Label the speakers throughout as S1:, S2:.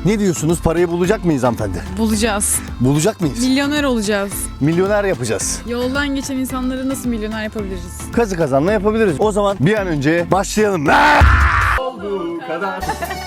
S1: Ne diyorsunuz? Parayı bulacak mıyız hanımefendi?
S2: Bulacağız.
S1: Bulacak mıyız?
S2: Milyoner olacağız.
S1: Milyoner yapacağız.
S2: Yoldan geçen insanları nasıl milyoner yapabiliriz?
S1: Kazı kazanla yapabiliriz. O zaman bir an önce başlayalım. Olduğu kadar.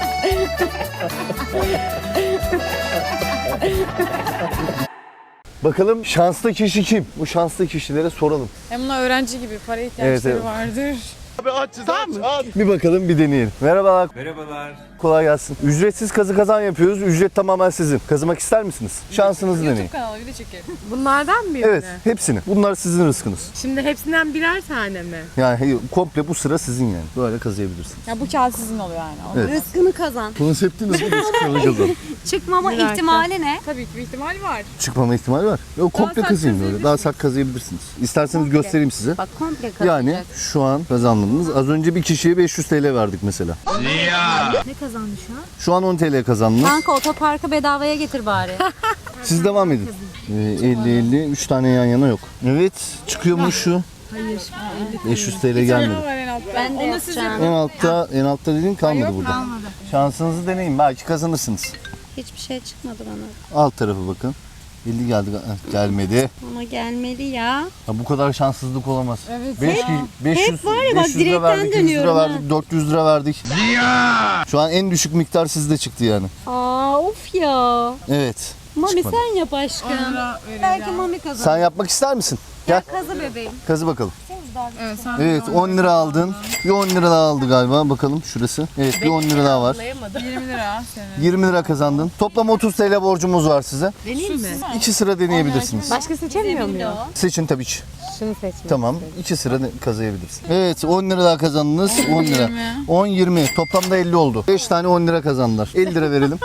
S1: Bakalım şanslı kişi kim? Bu şanslı kişilere soralım.
S2: Hem bunlar öğrenci gibi para ihtiyaçları
S1: Evet.
S2: vardır.
S1: Abi açız Bir bakalım bir deneyelim. Merhabalar.
S3: Merhabalar.
S1: Kolay gelsin. Ücretsiz kazı kazan yapıyoruz. Ücret tamamen sizin. Kazımak ister misiniz? Şansınızı deneyin.
S2: YouTube kanalı video çekelim.
S4: Bunlardan mı birini?
S1: Evet, hepsini. Bunlar sizin rızkınız.
S4: Şimdi hepsinden birer tane mi?
S1: Yani komple bu sıra sizin yani. Böyle kazıyabilirsiniz.
S2: Ya bu kağıt sizin oluyor yani.
S1: Evet.
S5: Rızkını kazan.
S1: Konseptiniz bu rızkını kazan.
S5: Çıkmama
S4: Merak
S5: ihtimali ne?
S2: Tabii ki bir ihtimal var.
S1: Çıkmama ihtimali var. Yok komple
S2: sert
S1: kazıyın böyle.
S2: kazıyabilirsiniz.
S1: Daha sert kazıyabilirsiniz. İsterseniz göstereyim size.
S5: Bak komple kazanacak.
S1: Yani şu an kazandınız. Az önce bir kişiye 500 TL verdik mesela.
S5: Ne kazandı şu an?
S1: Şu an 10 TL kazandınız.
S5: Kanka otoparkı bedavaya getir bari.
S1: Siz devam edin. 50-50. 3 tane yan yana yok. Evet. Çıkıyor mu şu? Hayır. 500 TL
S2: Ne
S1: gelmedi.
S2: var en altta?
S5: Ben de
S2: Onu siz
S5: yapacağım.
S1: En altta dediğin kalmadı
S2: Yok,
S1: burada.
S5: Kalmadı.
S1: Şansınızı deneyin. Belki kazanırsınız.
S5: Hiçbir şey çıkmadı bana.
S1: Alt tarafı bakın. 50 geldi. Gelmedi.
S5: Ama gelmeli ya.
S1: Ya bu kadar şanssızlık olamaz.
S2: Evet
S1: 500
S5: var ya bak,
S1: 500 lira
S5: direkten
S1: verdik, 100 lira
S5: dönüyorum ha.
S1: verdik, 400 lira verdik. Şu an en düşük miktar sizde çıktı yani.
S5: Aa of ya.
S1: Evet.
S5: Mami
S1: Çıkmadı.
S5: sen yap aşkım. Belki Mami kazanır.
S1: Sen yapmak ister misin? Gel.
S5: Kazı bebeğim.
S1: Kazı bakalım.
S2: Evet, sen
S1: Evet 10 lira aldın. Bir 10 lira daha aldı galiba. Bakalım şurası. Evet bir 10 lira daha var.
S2: 20 lira senin.
S1: 20 lira kazandın. Toplam 30 TL borcumuz var size.
S4: Deneyim mi?
S1: 2 sıra deneyebilirsiniz.
S4: Başka seçemiyor muyum?
S1: Seçin tabii ki.
S4: Şunu seçmek.
S1: Tamam. 2 sıra kazıyabilirsin. Evet 10 lira daha kazandınız. 10 lira.
S2: 20.
S1: 10 20. Toplamda 50 oldu. 5 tane 10 lira kazandılar. 50 lira verelim.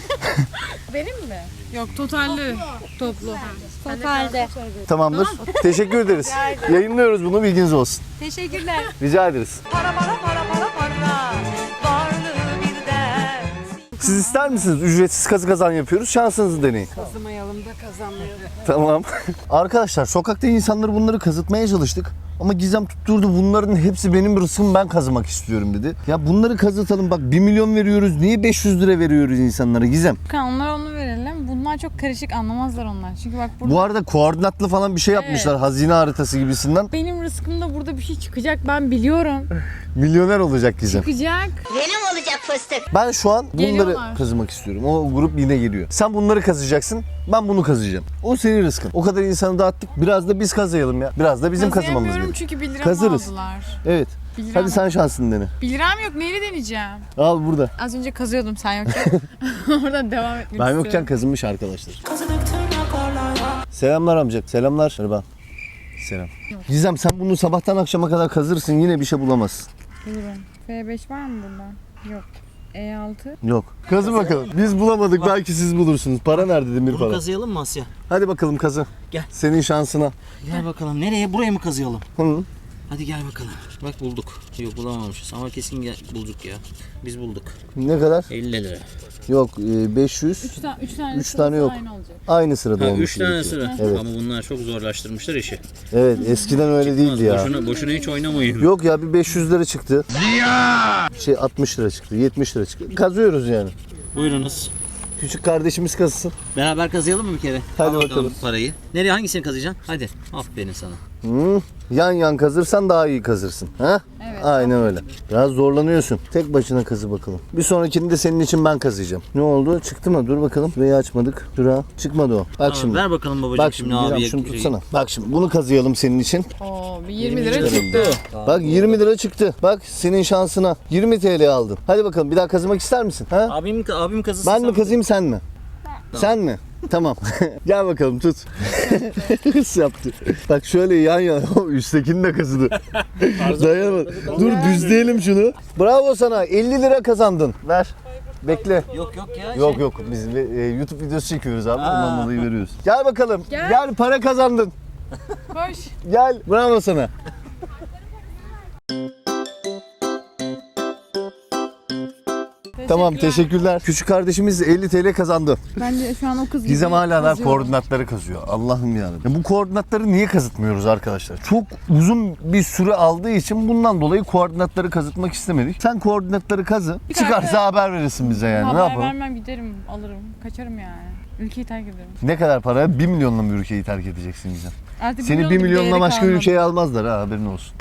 S2: Yok totalli toplu.
S5: Totalde.
S1: Tamamdır. Teşekkür ederiz. Yayınlıyoruz bunu bilginiz olsun.
S5: Teşekkürler.
S1: Rica ederiz. Siz ister misiniz? Ücretsiz kazı kazan yapıyoruz. Şansınızı deneyin.
S4: Kazımayalım da kazanmayalım.
S1: Tamam. Arkadaşlar sokakta insanları bunları kazıtmaya çalıştık. Ama Gizem tutturdu bunların hepsi benim rızkım ben kazımak istiyorum dedi. Ya bunları kazıtalım bak 1 milyon veriyoruz. Niye 500 lira veriyoruz insanlara Gizem?
S2: Onlara onu verelim. Bunlar çok karışık anlamazlar onlar. Çünkü bak burada
S1: Bu arada koordinatlı falan bir şey yapmışlar. Hazine haritası gibisinden.
S2: benim rızkımda burada bir şey çıkacak ben biliyorum.
S1: Milyoner olacak Gizem.
S2: Çıkacak.
S5: Benim olacak fıstık.
S1: Ben şu an bunları
S2: Geliyorlar.
S1: kazımak istiyorum. O grup yine geliyor. Sen bunları kazıyacaksın. Ben bunu kazıyacağım. O senin rızkın. O kadar insanı dağıttık. Biraz da biz kazıyalım ya. Biraz da bizim kazımamız
S2: Kazıyamıyorum
S1: gerekiyor.
S2: çünkü 1 liramı
S1: Kazırız.
S2: aldılar.
S1: Evet.
S2: 1 liram.
S1: Hadi sen şansını dene.
S2: 1 liram yok neyle deneyeceğim?
S1: Al burada.
S2: Az önce kazıyordum sen yokken. Oradan devam etmek
S1: Ben
S2: istiyorum.
S1: yokken kazınmış arkadaşlar. Selamlar amca. Selamlar. Merhaba. Selam. Gizem sen bunu sabahtan akşama kadar kazırsın yine bir şey bulamazsın.
S2: Bulurum. F5 var mı burada? Yok. E6.
S1: Yok. Kazı bakalım. Biz bulamadık belki siz bulursunuz. Para nerede demir
S3: Bunu
S1: para?
S3: kazıyalım mı Asya?
S1: Hadi bakalım kazı.
S3: Gel.
S1: Senin şansına.
S3: Gel bakalım. Nereye? Buraya mı kazıyalım?
S1: Hı.
S3: Hadi gel bakalım. Bak bulduk. Yok bulamamışız ama kesin bulduk ya. Biz bulduk.
S1: Ne kadar?
S3: 50 lira.
S1: Yok 500.
S2: 3 tane,
S1: Üç tane yok.
S2: Aynı olacak.
S1: Aynı sırada
S3: Ha,
S1: olmuş
S3: 3 tane
S1: gerekiyor.
S3: sıra.
S1: Evet.
S3: Ama bunlar çok zorlaştırmışlar işi.
S1: Evet eskiden öyle değildi ya.
S3: Boşuna hiç oynamayın.
S1: Yok ya bir 500 lira çıktı. 60 lira çıktı, 70 lira çıktı. Kazıyoruz yani.
S3: Buyurunuz.
S1: Küçük kardeşimiz kazısın.
S3: Beraber kazıyalım mı bir kere?
S1: Hadi
S3: Al
S1: bakalım.
S3: parayı. Nereye hangisini kazıyacaksın? Hadi. Aferin sana.
S1: Yan yan kazırsan daha iyi kazırsın. Ha?
S2: Evet.
S1: Aynen öyle. Biraz zorlanıyorsun. Tek başına kazı bakalım. Bir sonrakini de senin için ben kazıyacağım. Ne oldu? Çıktı mı? Dur bakalım. Şurayı açmadık. Şura. Çıkmadı o. Bak
S3: Tamam,
S1: şimdi.
S3: ver bakalım babacığım
S1: Bak şimdi
S3: abiye.
S1: şunu tutsana. Bak şimdi bunu kazıyalım senin için.
S2: Oo, bir 20 lira çıktı.
S1: Bak 20 lira çıktı. Bak senin şansına 20 TL aldın. Hadi bakalım bir daha kazımak ister misin? Ha?
S3: Abim kazısın.
S1: Ben mi kazıyım sen mi? Sen mi? Tamam. Gel bakalım tut. Hırs yaptı. Bak şöyle yan yana. Üsttekini de kazıdı. Dayanamadı. Dur düzleyelim şunu. Bravo sana. 50 lira kazandın. Ver. Bekle.
S3: Yok ya.
S1: Yok yok. Biz YouTube videosu çekiyoruz abi. Ondan dolayı veriyoruz. Gel bakalım. Gel para kazandın.
S2: Koş.
S1: Gel. Bravo sana. Tamam teşekkürler. Küçük kardeşimiz 50 TL kazandı.
S2: Bence şu an o kız gibi
S1: Gizem hala da
S2: kazıyor.
S1: koordinatları kazıyor. Allah'ım yarabbim. Bu koordinatları niye kazıtmıyoruz arkadaşlar? Çok uzun bir süre aldığı için bundan dolayı koordinatları kazıtmak istemedik. Sen koordinatları kazı. Çıkarsa haber verirsin bize yani. Ne
S2: Haber
S1: yapalım?
S2: vermem, giderim, alırım. Kaçarım yani. Ülkeyi terk ederim.
S1: Ne kadar para? 1 milyonla mı ülkeyi terk edeceksin Gizem?
S2: Artık
S1: Seni 1 milyonla başka ülkeye almazlar ha, haberin olsun.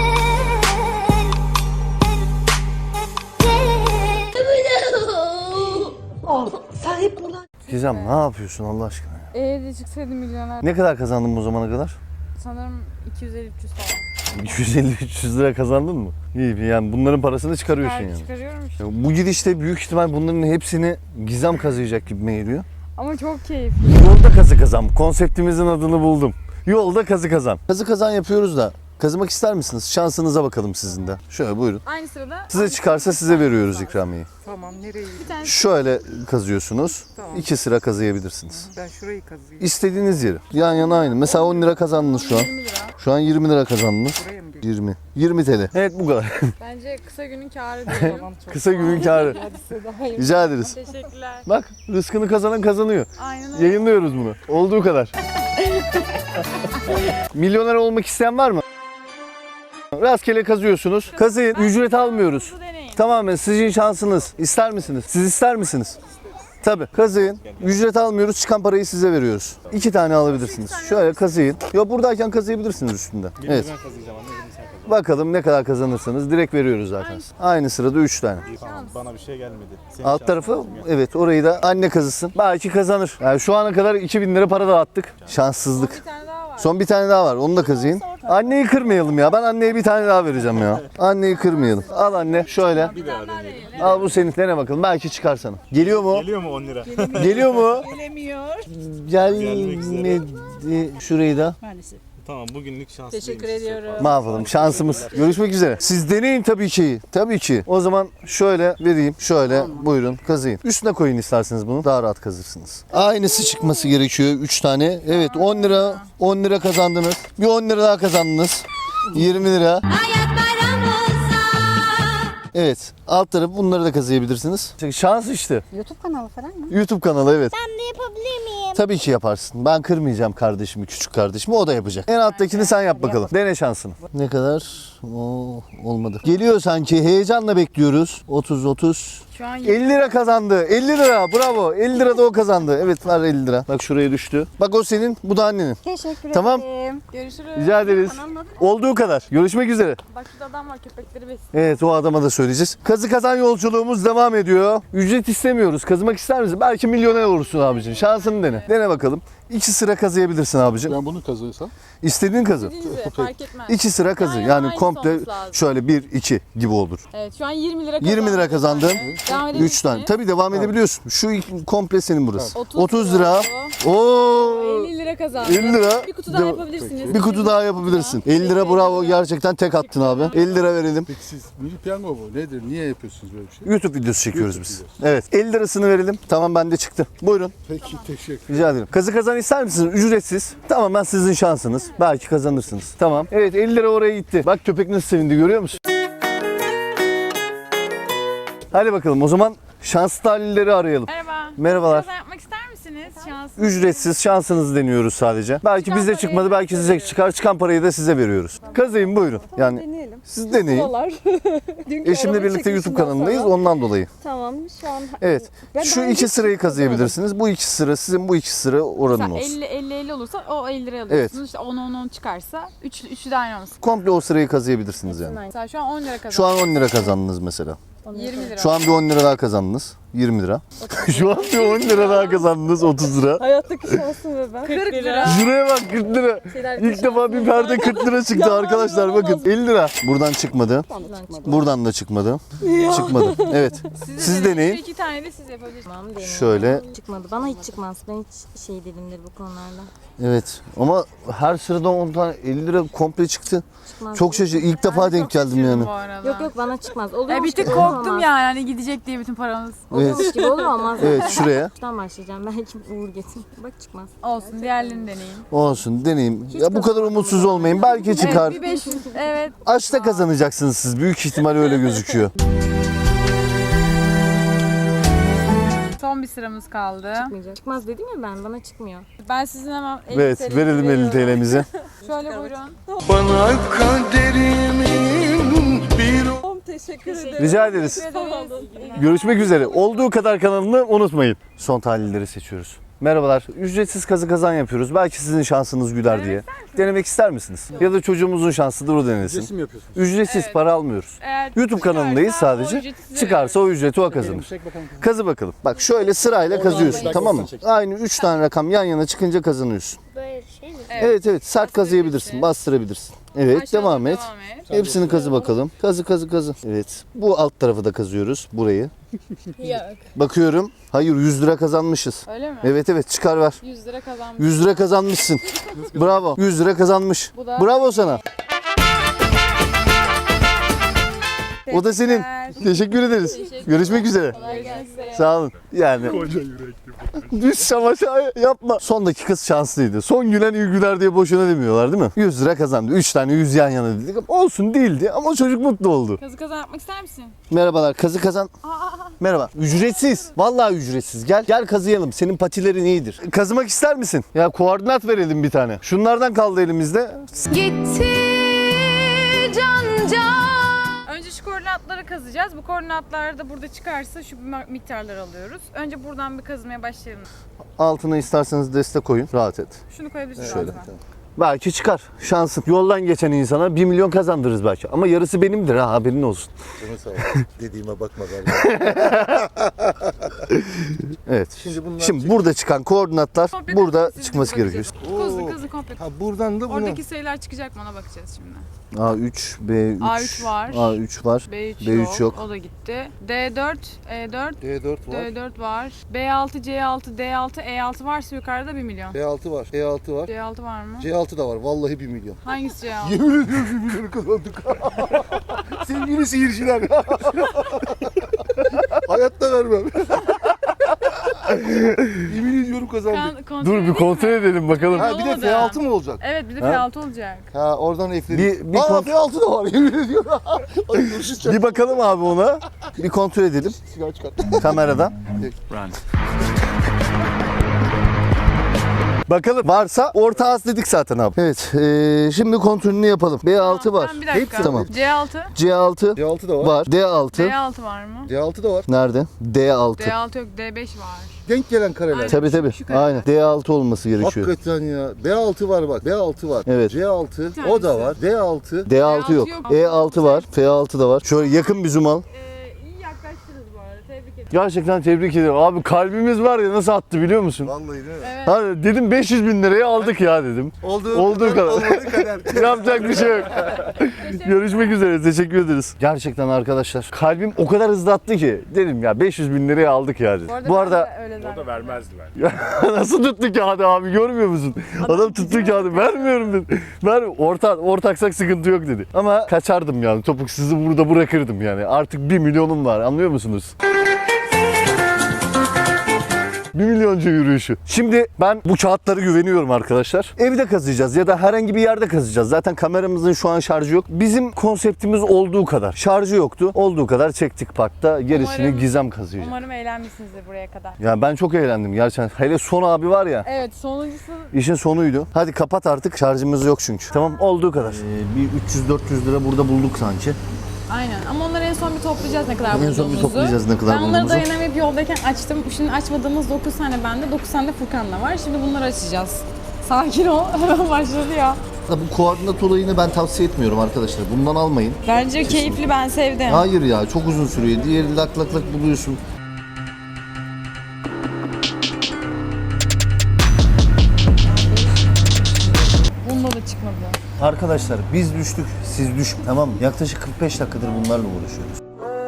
S1: Gizem ne yapıyorsun Allah aşkına ya?
S2: Eğer çıksaydım milyoner.
S1: Ne kadar kazandın bu zamana kadar?
S2: Sanırım 250-300 falan.
S1: 250-300 lira kazandın mı? İyi yani bunların parasını çıkarıyorsun yani.
S2: Çıkarıyorum işte.
S1: Bu gidişte büyük ihtimal bunların hepsini Gizem kazıyacak gibi geliyor.
S2: Ama çok keyifli.
S1: Yolda kazı kazan. Konseptimizin adını buldum. Yolda kazı kazan. Kazı kazan yapıyoruz da kazımak ister misiniz? Şansınıza bakalım sizin de. Şöyle buyurun.
S2: Aynı sırada
S1: Size çıkarsa size veriyoruz ikramiyeyi.
S4: Tamam nereye?
S2: bir tane
S1: Şöyle kazıyorsunuz.
S4: Tamam.
S1: 2 sıra kazıyabilirsiniz.
S4: Ben şurayı kazıyım.
S1: İstediğiniz yeri. Yan yana aynı. Mesela 10 lira kazandınız şu an.
S2: 20 lira.
S1: Şu an 20 lira kazandınız.
S4: Buraya mı geliyor?
S1: 20. 20 TL. Evet bu kadar.
S2: Bence kısa günün kârı diyelim.
S4: Tamam çok
S1: Kısa günün kârı.
S4: Hadi size daha iyi.
S1: Rica ederiz.
S2: Teşekkürler.
S1: Bak rızkını kazanan kazanıyor.
S2: Aynen öyle.
S1: Yayınlıyoruz bunu. Olduğu kadar. Milyoner olmak isteyen var mı? Rastgele kazıyorsunuz. Kazıyın. Ücret almıyoruz.
S2: Bu deneyin.
S1: Tamamen sizin şansınız. İster misiniz? Siz ister misiniz? Tabii. Kazıyın. Ücret almıyoruz. Çıkan parayı size veriyoruz. 2 tane alabilirsiniz. Şöyle kazıyın. Yok buradayken kazıyabilirsiniz üstünde. Evet. Bakalım ne kadar kazanırsanız direkt veriyoruz zaten. Aynı sırada 3 tane.
S6: Tamam, bana bir şey gelmedi. Senin
S1: Alt
S6: şansın
S1: tarafı
S6: olsun ya.
S1: evet orayı da anne kazısın. Belki kazanır. Yani şu ana kadar 2000 lira para dağıttık. Şanssızlık.
S2: Bir tane daha var.
S1: Son bir tane daha var. Onu da kazıyın. Anneyi kırmayalım ya. Ben anneye bir tane daha vereceğim ya. Anneyi kırmayalım. Al anne şöyle.
S6: Bir daha deneyelim.
S1: Al bu senin. Dene bakalım. Belki çıkar sana. Geliyor mu?
S6: Geliyor mu 10 lira?
S1: Geliyor mu?
S4: Gelemiyor.
S6: Gelmek
S1: Gelmedi. Şurayı da.
S6: Tamam, bugünlük şanslıyım.
S4: Teşekkür ediyorum.
S1: Ne yapalım? Şansımız. Görüşmek üzere. Siz deneyin tabii ki. Tabii ki. O zaman şöyle vereyim. Şöyle buyurun kazıyın. Üstüne koyun isterseniz bunu. Daha rahat kazırsınız. Aynısı çıkması gerekiyor. 3 tane. Evet 10 lira. 10 lira kazandınız. Bir 10 lira daha kazandınız. 20 lira. Evet. Alt tarafı bunları da kazıyabilirsiniz. Şans işte.
S5: YouTube kanalı falan mı?
S1: YouTube kanalı evet.
S5: Ben de yapabilir miyim?
S1: Tabii ki yaparsın. Ben kırmayacağım kardeşimi, küçük kardeşimi. O da yapacak. En alttakini sen yap bakalım. Dene şansını. Ne kadar? Oo, olmadı. Geliyor sanki. Heyecanla bekliyoruz. 30.
S2: Şu an
S1: 50 lira kazandı. 50 lira. Bravo. 50 lira da o kazandı. Evet var 50 lira. Bak şuraya düştü. Bak o senin. Bu da annenin.
S5: Teşekkür
S1: Tamam.
S5: ederim.
S2: görüşürüz.
S1: Rica ederiz. Olduğu kadar. Görüşmek üzere.
S2: Bak şurada adam var, köpekleri besliyor.
S1: Evet o adama da söyleyeceğiz. Kazı kazan yolculuğumuz devam ediyor. Ücret istemiyoruz. Kazımak ister misin? Belki milyoner olursun abicim. Şansını dene. Dene bakalım. 2 sıra kazıyabilirsin abicim.
S7: Ben bunu kazıysam
S1: İstediğin kazı.
S2: Dediğiniz fark etmez.
S1: 2 sıra kazı.
S2: Aynen,
S1: Yani
S2: aynısı
S1: komple
S2: olması lazım.
S1: şöyle 1 2 gibi olur.
S2: Evet şu an 20 lira kazandım.
S1: 20 lira kazandın.
S2: Devam
S1: 3 tane.
S2: edebilirsiniz.
S1: Tabii devam edebiliyorsun. Şu komple senin burası.
S2: 30
S1: 30 lira.
S2: oldu.
S1: Oo!
S2: 50 lira kazandım.
S1: 50 lira.
S2: Bir kutu daha yapabilirsiniz.
S1: Bir kutu daha yapabilirsin. 50 lira bravo. Gerçekten tek attın abi. 50 lira verelim.
S7: peki siz milli piyango bu nedir? Niye yapıyorsunuz böyle bir şey?
S1: YouTube videosu çekiyoruz
S7: YouTube
S1: biz.
S7: videosu.
S1: Evet. 50 lirasını verelim. Tamam bende çıktı. Buyurun.
S7: Peki teşekkür.
S1: Rica ederim. Kazı kazan ister misiniz? Ücretsiz. Tamamen sizin şansınız. Belki kazanırsınız. Tamam. Evet 50 lira oraya gitti. Bak köpek nasıl sevindi görüyor musun? Hadi bakalım o zaman şanslı talihleri arayalım.
S2: Merhaba.
S1: Merhabalar.
S2: Kazan yapmak ister misiniz? Şans.
S1: Ücretsiz şansınızı deniyoruz sadece. Belki
S2: Çıkan
S1: bizde
S2: parayı
S1: çıkmadı, belki size çıkar. Çıkan parayı da size veriyoruz. Kazıyın buyurun. Yani
S5: Deneyelim.
S1: siz deneyin. Eşimle birlikte YouTube kanalındayız ondan dolayı.
S5: Tamam şu an.
S1: Evet.
S5: Ben
S1: Şu
S5: daha önce
S1: 2 sırayı
S5: hiç
S1: kazıyabilirsiniz. Bu 2 sıra sizin, bu 2 sıra oranın olsun.
S2: 50 olursa o 50 liraya alıyorsunuz. İşte 10 çıkarsa 3'ü de aynı olsun.
S1: Komple o sırayı kazıyabilirsiniz yani.
S2: Mesela şu an 10 lira kazandım.
S1: Şu an 10 lira kazandınız mesela.
S2: 20 lira.
S1: Şu an bir 10 lira daha kazandınız. 20 lira. Şu an bir 10 lira daha kazandınız. 30 lira.
S5: Hayattaki şansım ve ben.
S2: 40 lira.
S1: Şuraya bak 40 lira. İlk defa bir perde 40 lira çıktı arkadaşlar bakın. 50 lira. Buradan çıkmadı. Buradan da çıkmadı. Çıkmadı. Evet. Siz deneyin.
S2: 2 tane de siz yapabilirsiniz.
S5: Tamam deneyelim.
S1: Şöyle.
S5: Çıkmadı. Bana hiç çıkmaz. Ben hiç şey değilimdir bu konularda.
S1: Evet. Ama her sırada 10 tane 50 lira komple çıktı.
S5: Çıkmaz.
S1: Çok şaşırdım. İlk defa denk geldim yani.
S2: Bu arada.
S5: Yok bana çıkmaz. Oluyormuş
S2: Bir tık
S5: gibi
S2: korktum
S5: olmaz.
S2: yani hani gidecek diye bütün paramız.
S5: Oluyormuş gibi olur olmaz.
S1: Evet şuraya.
S5: Şuradan başlayacağım. Belki uğur getir. Bak çıkmaz.
S2: Olsun diğerlerini deneyin.
S1: Olsun deneyeyim. Ya bu kadar umutsuz olmayın. Belki çıkar.
S2: Evet bir 500. Evet.
S1: Açta kazanacaksınız siz. Büyük ihtimal öyle gözüküyor.
S2: Son bir sıramız kaldı.
S5: Çıkmayacak. Çıkmaz dedim ya ben. Bana çıkmıyor.
S2: Ben sizin hemen 50
S1: Evet,
S2: TL'nizi
S1: verelim 50
S2: veriyorum.
S1: TL'mizi.
S2: Şöyle buyurun.
S7: Bana kaderimin bir
S4: Teşekkür ederim.
S1: Rica ederiz. Görüşmek üzere. Olduğu kadar kanalını unutmayın. Son tahlilleri seçiyoruz. Merhabalar. Ücretsiz kazı kazan yapıyoruz. Belki sizin şansınız güler diye. Denemek ister misiniz? Ya da çocuğumuzun şansıdır o denesin.
S7: resim yapıyorsunuz.
S1: Ücretsiz,
S2: Evet.
S1: para almıyoruz.
S2: Eğer
S1: YouTube kanalındayız
S2: çıkarsa o
S1: sadece.
S2: ücreti size
S1: Çıkarsa o ücreti o kazanır.
S7: Çek bakalım.
S1: Kazı bakalım. Bak şöyle sırayla kazıyorsun,
S7: Oradan
S1: tamam mı?
S7: çek.
S1: Aynı 3 tane rakam yan yana çıkınca kazanıyorsun.
S5: Böyle şey mi?
S1: Evet evet, sert kazıyabilirsin, bastırabilirsin. Evet,
S2: Aşağıdan
S1: devam et.
S2: Devam et.
S1: Hepsini kazı bakalım. Kazı kazı kazı. Evet. Bu alt tarafı da kazıyoruz. Burayı.
S5: Yok.
S1: Bakıyorum. Hayır, 100 lira kazanmışız.
S2: Öyle mi?
S1: Evet evet, çıkar ver.
S2: 100 lira kazanmış.
S1: 100 lira kazanmışsın. Bravo. 100 lira kazanmış.
S2: Bu da-
S1: Bravo sana. O da senin. Teşekkür ederiz. Görüşmek üzere. Sağ olun. Yani. Düz şamaşa yapma. Son dakikası şanslıydı. Son gülen iyi güler diye boşuna demiyorlar değil mi? 100 lira kazandı. 3 tane 100 yan yana dedik. Olsun değildi ama çocuk mutlu oldu.
S2: Kazı kazan yapmak ister misin?
S1: Merhabalar, kazı kazan. Merhaba. Ücretsiz. Vallahi ücretsiz. Gel kazıyalım. Senin patilerin iyidir. Kazımak ister misin? Ya koordinat verelim bir tane. Şunlardan kaldı elimizde.
S2: Gitti can. Önce şu koordinatları kazacağız. Bu koordinatlar da burada çıkarsa şu miktarları alıyoruz. Önce buradan bir kazmaya başlayalım.
S1: Altına isterseniz destek koyun. Rahat et.
S2: Şunu koyabilirsiniz
S1: Şöyle.
S2: altına.
S1: Belki çıkar. Şansın. Yoldan geçen insana 1 milyon kazandırırız belki. Ama yarısı benimdir ha, haberin olsun.
S7: Canı sağ ol. Dediğime bakma galiba.
S1: Evet. Şimdi burada çıkan koordinatlar
S2: Komple
S1: burada
S2: kazın, siz
S1: çıkması
S2: bize
S1: gerekiyor.
S2: bakacağız. Kazı komple.
S7: Ha buradan da bunu.
S2: Oradaki sayılar çıkacak mı ona bakacağız şimdi.
S1: A3, B3.
S2: A3 var.
S1: A3 var.
S2: B3,
S1: B3 yok.
S2: O da gitti. D4, E4,
S7: D4 var.
S2: D4 var. B6, C6, D6, E6 varsa yukarıda 1 milyon.
S7: B6 var. E6 var.
S2: C6 var mı?
S7: C6 da var. Vallahi 1 milyon.
S2: Hangisi C6?
S7: Yemin ediyorum 1 milyonu kazandık. Sevgili seyirciler. Hayatta vermem. Yemin ediyorum kazandık.
S2: Kontrol
S1: Dur bir
S2: edeyim
S1: kontrol
S2: mi?
S1: edelim bakalım.
S7: Ha bir de
S2: Olmadı.
S7: F6 mı olacak?
S2: Evet bir de
S1: Ha?
S2: F6 olacak.
S7: Ha oradan ekledik.
S1: Bir
S7: Aa
S1: kont-
S7: F6 da var yemin ediyorum. Hadi görüşürüz.
S1: Bir bakalım abi ona. Bir kontrol edelim
S7: Sigara çıkart.
S1: kameradan. Bakalım varsa orta az dedik zaten abi. Evet şimdi kontrolünü yapalım. B6 var.
S2: Tamam, bir dakika.
S1: Hepsi tamam.
S2: C6.
S1: C6
S7: D6 da var.
S1: var. D6
S2: D6 var mı?
S7: D6 da var.
S1: nerede? D6.
S2: D6 yok, D5 var.
S7: Denk gelen kareler.
S2: Aynen.
S1: Tabii tabii.
S2: Şu kadar.
S1: Aynen. D6 olması gerekiyor.
S7: Hakikaten ya. B6 var bak. B6 var.
S1: Evet.
S7: C6 o da var. D6.
S1: D6 yok.
S2: yok.
S1: E6 var. F6 da var. Şöyle yakın bir zoom al.
S2: İyi yaklaştınız bu arada. Tebrik ederim.
S1: Gerçekten tebrik ederim. Abi kalbimiz var ya nasıl attı biliyor musun?
S7: Vallahi değil mi?
S2: Evet.
S1: Hani dedim 500 bin liraya aldık ya dedim. Olduğu kadar.
S7: Olmadığı kadar.
S1: Yapacak bir şey yok. Görüşmek üzere. Teşekkür ederiz. Gerçekten arkadaşlar kalbim o kadar hızlı attı ki dedim ya 500 bin liraya aldık ya dedim. Bu arada
S2: ben de öyle zannettim.
S6: Vermezdiler.
S1: nasıl tuttu kağıdı abi görmüyor musun? Adam tuttu kağıdı vermiyorum dedi. Ortaksak sıkıntı yok dedi. Ama kaçardım yani topuksuzu burada bırakırdım yani. Artık 1 milyonum var anlıyor musunuz? 1 milyoncu yürüyüşü. Şimdi ben bu kağıtlara güveniyorum arkadaşlar. Evde kazıyacağız ya da herhangi bir yerde kazıyacağız. Zaten kameramızın şu an şarjı yok. Bizim konseptimiz olduğu kadar. Şarjı yoktu. Olduğu kadar çektik parkta. Gerisini
S2: Umarım-
S1: Gizem kazıyacak.
S2: Umarım eğlenmişsinizdir buraya kadar.
S1: Ya ben çok eğlendim gerçekten. Hele son abi var ya.
S2: Evet sonuncusu
S1: İşin sonuydu. Hadi kapat artık. Şarjımız yok çünkü. Tamam olduğu kadar. Bir 300-400 lira burada bulduk sanki.
S2: aynen ama onları en son bir toplayacağız ne kadar
S1: En son bir
S2: bulduğumuzu.
S1: toplayacağız ne kadar
S2: Ben onları
S1: bulduğumuzu.
S2: dayanamayıp yoldayken açtım. Şimdi açmadığımız 9 tane bende, 9 tane de Furkan'da var. Şimdi bunları açacağız. Sakin ol. Hemen başladı ya.
S1: Bu koordinat olayını ben tavsiye etmiyorum arkadaşlar. Bundan almayın.
S2: Bence keyifli, ben sevdim.
S1: Hayır ya çok uzun sürüyor. Diğeri lak lak lak buluyorsun.
S2: Bunda da çıkmadı.
S1: Arkadaşlar biz düştük, siz düşün. Tamam mı? Yaklaşık 45 dakikadır bunlarla uğraşıyoruz.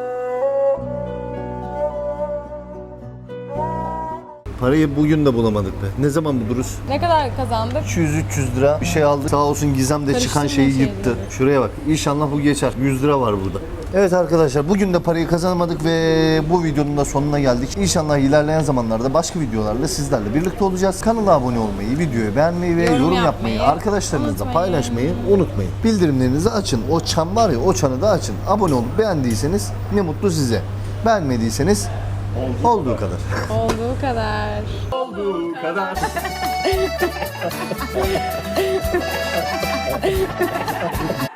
S1: Parayı bugün de bulamadık be. Ne zaman buluruz?
S2: Ne kadar kazandık?
S1: 200-300 lira bir şey aldık. Sağ olsun Gizem de çıkan
S2: Karıştırma
S1: şeyi
S2: şeyleri.
S1: yıktı. Şuraya bak. İnşallah bu geçer. 100 lira var burada. Evet arkadaşlar bugün de parayı kazanamadık ve bu videonun da sonuna geldik. İnşallah ilerleyen zamanlarda başka videolarla sizlerle birlikte olacağız. Kanala abone olmayı, videoyu beğenmeyi ve
S2: Yorum
S1: yorum yapmayı,
S2: yapmayı
S1: arkadaşlarınızla
S2: unutmayın.
S1: paylaşmayı unutmayın. Bildirimlerinizi açın. O çan var ya o çanı da açın. Abone olup beğendiyseniz ne mutlu size. Beğenmediyseniz Olduğu kadar.
S2: Olduğu kadar.
S7: Olduğu kadar.